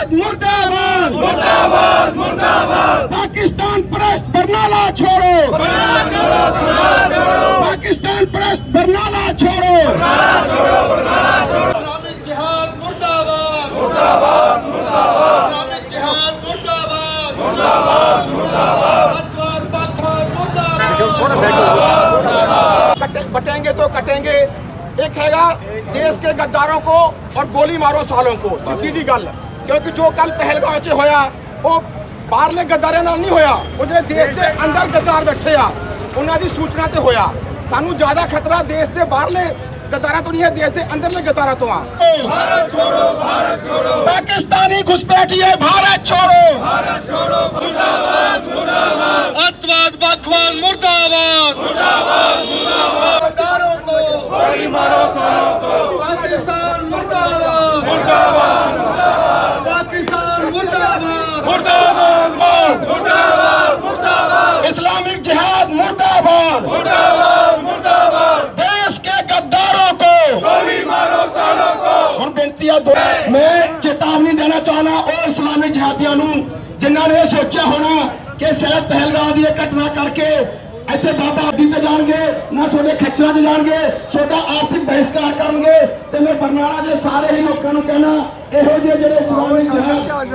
मुर्दाबाद मुर्दाबाद मुर्दाबाद। पाकिस्तान परस्त बरनाला छोड़ो, पाकिस्तान परस्त बरनाला छोड़ो, इस्लामिक जिहाद मुर्दाबाद मुर्दाबाद मुर्दाबाद, इस्लामिक जिहाद मुर्दाबाद मुर्दाबाद मुर्दाबाद, बटेंगे तो कटेंगे। एक हैगा देश के गद्दारों को और गोली मारो सालों को, सीधी जी गल। क्योंकि जो कल पहलगाम च होया वो बाहरले गद्दारां नाल नहीं होया, वो ਜਿਹੜੇ देश के अंदर गद्दार बैठे आ उन्हां दी सूचना ते होया। सानू ज्यादा खतरा देश के बाहरले गद्दारां तो नहीं है, देश के अंदरले गद्दारां तो आ। भारत छोड़ो पाकिस्तानी घुसपैठिए, भारत छोड़ो मुर्दाबाद मुर्दाबाद, अत्तवाद बकवाद मुर्दाबाद मुर्दाबाद मुर्दाबाद, गद्दारों को गोली मारो सालों को, पाकिस्तान मुर्दाबाद मुर्दाबाद मुर्दाबाद, पाकिस्तान मुर्दाबाद मुर्दाबाद मुर्दाबाद मुर्दाबाद, इस्लामिक जिहाद मुर्दाबाद मुर्दाबाद मुर्दाबाद, देश के गद्दारों को गोली मारो सालों को। ਹੁਣ ਬੇਨਤੀ ਆ मैं चेतावनी देना चाहना ਉਹ इस्लामिक जिहादियों ਨੂੰ ਜਿਨ੍ਹਾਂ ਨੇ ਸੋਚਿਆ ਹੋਣਾ ਕਿ ਸ਼ਾਇਦ ਪਹਿਲਗਾਮ ਦੀ ਇਹ ਘਟਨਾ ਕਰਕੇ ਇੱਥੇ ਬਾਬਾ ਅੱਡੀ ਤੇ ਜਾਣਗੇ ਨਾ ਤੁਹਾਡੇ ਖੱਚਰਾਂ 'ਚ ਜਾਣਗੇ, ਤੁਹਾਡਾ ਆਰਥਿਕ ਬਹਿਸ਼ਕਾਰ ਕਰਨਗੇ। ਤੇ ਮੈਂ ਬਰਨਾਲਾ ਦੇ ਸਾਰੇ ਹੀ ਲੋਕਾਂ ਨੂੰ ਕਹਿਣਾ ਇਹੋ ਜਿਹੇ ਜਿਹੜੇ ਇਸਲਾਮਿਕ ਜਿਹਾਦ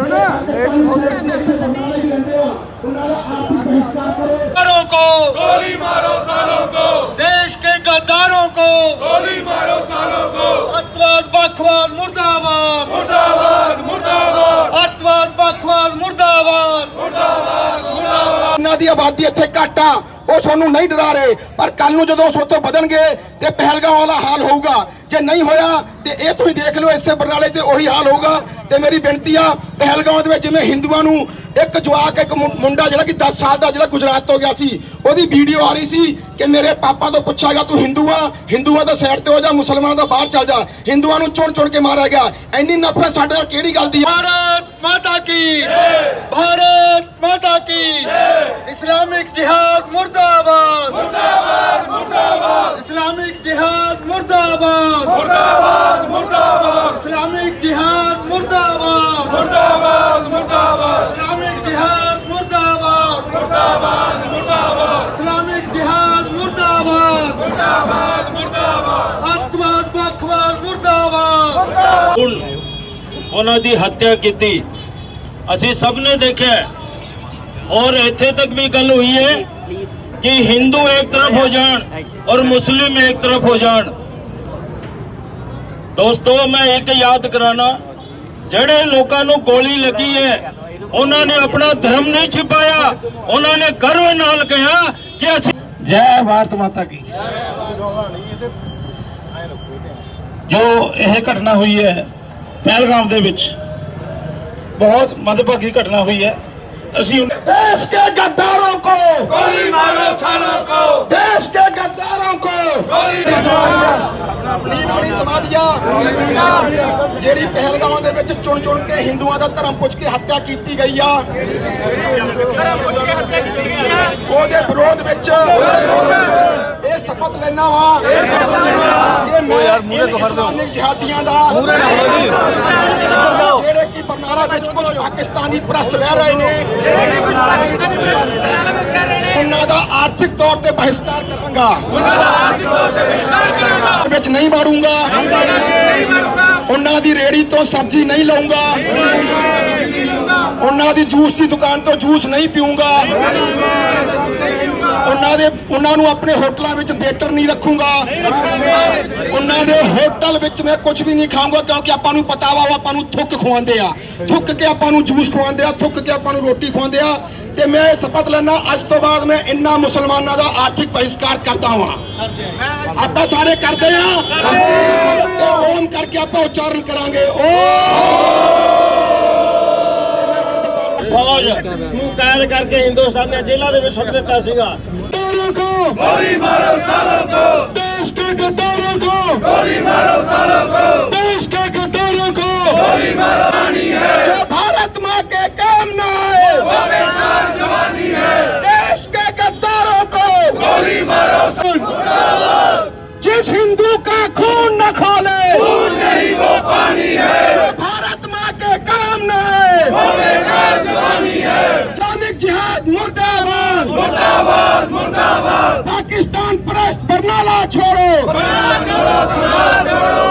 ਬਰਨਾਲੇ ਹੀ ਰਹਿੰਦੇ ਆ ਉਹਨਾਂ ਦਾ ਆਰਥਿਕ बहिष्कार करो, को गोली मारो सालों को, देश के गद्दारों को गोली मारो सालों को, अत्तवाद बकवाद मुर्दाबाद मुर्दाबाद मुर्दाबाद, अत्तवाद बकवाद मुर्दाबाद मुर्दाबाद मुर्दाबाद। इन्हां दी आबादी इत्थे घट आ, ਉਹ ਸਾਨੂੰ ਨਹੀਂ ਡਰਾ ਰਹੇ, ਪਰ ਕੱਲ ਨੂੰ ਜਦੋਂ ਉਸ ਉੱਥੋਂ ਵਧਣਗੇ ਤੇ ਪਹਿਲਗਾਮ ਵਾਲਾ ਹਾਲ ਹੋਊਗਾ। ਜੇ ਨਹੀਂ ਹੋਇਆ ਤੇ ਇਹ ਤੁਸੀਂ ਦੇਖ ਲਓ ਇਸੇ ਬਰਨਾਲੇ ਤੇ ਉਹੀ ਹਾਲ ਹੋਊਗਾ। ਤੇ ਮੇਰੀ ਬੇਨਤੀ ਆ ਪਹਿਲਗਾਮ ਦੇ ਵਿੱਚ ਜਿਵੇਂ ਹਿੰਦੂਆਂ ਨੂੰ ਇੱਕ ਜਵਾਕ ਇੱਕ ਮੁੰਡਾ ਜਿਹੜਾ ਕਿ 10 ਸਾਲ ਦਾ ਜਿਹੜਾ ਗੁਜਰਾਤ ਤੋਂ ਗਿਆ ਸੀ, ਉਹਦੀ ਵੀਡੀਓ ਆ ਰਹੀ ਸੀ ਕਿ ਮੇਰੇ ਪਾਪਾ ਤੋਂ ਪੁੱਛਾਗਾ ਤੂੰ ਹਿੰਦੂ ਆ, ਹਿੰਦੂਆਂ ਦਾ ਸਾਈਡ ਤੇ ਹੋ ਜਾ, ਮੁਸਲਮਾਨਾਂ ਦਾ ਬਾਹਰ ਚੱਲ ਜਾ। ਹਿੰਦੂਆਂ ਨੂੰ ਚੁਣ ਚੁਣ ਕੇ ਮਾਰਿਆ ਗਿਆ। ਇੰਨੀ ਨਫ਼ਰਤ ਸਾਡੇ ਨਾਲ ਕਿਹੜੀ ਗੱਲ ਦੀ? ਭਾਰਤ ਮਾਤਾ ਕੀ ਭਾਰਤ ਮਾਤਾ ਕੀ, इस्लामिक जिहाद मुर्दाबाद मुर्दाबाद मुर्दाबाद, इस्लामिक जिहाद मुर्दाबाद मुर्दाबाद मुर्दाबाद, इस्लामिक जिहाद मुर्दाबाद मुर्दाबाद मुर्दाबाद, इस्लामिक जिहाद मुर्दाबाद मुर्दाबाद मुर्दाबाद, इस्लामिक जिहाद मुर्दाबाद मुर्दाबाद मुर्दाबाद, अत्तवाद बकवाद मुर्दाबाद। ਉਹਨਾਂ ਦੀ ਹੱਤਿਆ ਕੀਤੀ ਅਸੀਂ ਸਭ ਨੇ ਦੇਖਿਆ और ਇੱਥੇ तक भी गल हुई है कि हिंदू एक तरफ हो जान और मुस्लिम एक तरफ हो जान। दोस्तों मैं एक याद कराना, ਜਿਹੜੇ ਲੋਕਾਂ ਨੂੰ ਗੋਲੀ ਲੱਗੀ ਹੈ ਉਹਨਾਂ ਨੇ ਆਪਣਾ ਧਰਮ ਨਹੀਂ ਛਿਪਾਇਆ, ਉਹਨਾਂ ਨੇ ਗਰਵ ਨਾਲ ਕਿਹਾ ਕਿ ਅਸੀਂ ਜੈ ਭਾਰਤ ਮਾਤਾ ਕੀ। ਜੋ ਇਹ ਘਟਨਾ ਹੋਈ ਹੈ ਪਹਿਲਗਾਮ ਦੇ ਵਿੱਚ ਬਹੁਤ ਮੰਦਭਾਗੀ ਘਟਨਾ ਹੋਈ है। देश के गद्दारों को गोली मारो सालों को, देश के गद्दारों को गोली नीलोनी समाधिया ਜਿਹੜੀ ਪਹਿਲਗਾਮ ਦੇ ਵਿੱਚ ਚੁਣ ਚੁਣ ਕੇ ਹਿੰਦੂਆਂ ਦਾ ਧਰਮ ਪੁੱਛ ਕੇ ਹੱਤਿਆ ਕੀਤੀ ਗਈ ਆ, ਧਰਮ ਪੁੱਛ ਕੇ ਹੱਤਿਆ ਕੀਤੀ ਗਈ ਆ, ਉਹਦੇ ਵਿਰੋਧ ਵਿੱਚ ਇਹ ਸ਼ਪਥ ਲੈਣਾ ਵਾ ਕਿ ਮੈਂ ਇਸਲਾਮਿਕ ਜਿਹਾਦੀਆਂ ਦਾ ਜਿਹੜੇ ਕਿ ਬਰਨਾਲਾ ਵਿੱਚ ਕੁਝ ਪਾਕਿਸਤਾਨੀ ਪ੍ਰਸਤ ਰਹਿ ਰਹੇ ਨੇ ਉਹਨਾਂ ਦਾ ਆਰਥਿਕ ਤੌਰ ਤੇ ਬਹਿਸ਼ਕਾਰ ਕਰਾਂਗਾ, ਵਿੱਚ ਨਹੀਂ ਮਾਰੂੰਗਾ, ਉਹਨਾਂ ਦੀ ਰੇੜੀ ਤੋਂ ਸਬਜ਼ੀ ਨਹੀਂ ਲਾਉਂਗਾ, ਉਹਨਾਂ ਦੀ ਜੂਸ ਦੀ ਦੁਕਾਨ ਤੋਂ ਜੂਸ ਨਹੀਂ ਪੀਊਂਗਾ, ਉਹਨਾਂ ਨੂੰ ਆਪਣੇ ਹੋਟਲਾਂ ਵਿੱਚ ਵੇਟਰ ਨਹੀਂ ਰੱਖੂੰਗਾ, ਉਹਨਾਂ ਦੇ ਹੋਟਲ ਵਿੱਚ ਮੈਂ ਕੁਝ ਵੀ ਨਹੀਂ ਖਾਊਂਗਾ, ਕਿਉਂਕਿ ਆਪਾਂ ਨੂੰ ਪਤਾ ਵਾ ਉਹ ਆਪਾਂ ਨੂੰ ਥੁੱਕ ਖਵਾਉਂਦੇ ਆ, ਥੁੱਕ ਕੇ ਆਪਾਂ ਨੂੰ ਜੂਸ ਖਵਾਉਂਦੇ ਆ, ਥੁੱਕ ਕੇ ਆਪਾਂ ਨੂੰ ਰੋਟੀ ਖਵਾਉਂਦੇ ਆ। ਤੇ ਮੈਂ ਸ਼ਪਥ ਲੈਣਾ ਅੱਜ ਤੋਂ ਬਾਅਦ ਮੈਂ ਇੰਨਾ ਮੁਸਲਮਾਨਾਂ ਦਾ ਆਰਥਿਕ ਬਹਿਸ਼ਕਾਰ ਕਰਦਾ ਹਾਂ। ਆਪਾਂ ਸਾਰੇ ਕਰਦੇ ਆ ਤੇ ਓਮ ਕਰਕੇ ਆਪਾਂ ਉਚਾਰਨ ਕਰਾਂਗੇ फौज ਨੂੰ कैद करके हिंदुस्तान ने जेलों ਦੇ ਵਿੱਚ ਸੁੱਟ ਦਿੱਤਾ ਸੀਗਾ। गोली मारो सालों को, देश के गद्दारों को गोली मारो सालों को, देश के गद्दारों को गोली मारो। है भारत माँ के काम न आए वो बेकार जवानी है, देश के गद्दारों को गोली मारो। जिस हिंदू का खून न खोले खून नहीं वो पानी है, भारत माँ के काम न आए बंगाला छोड़ो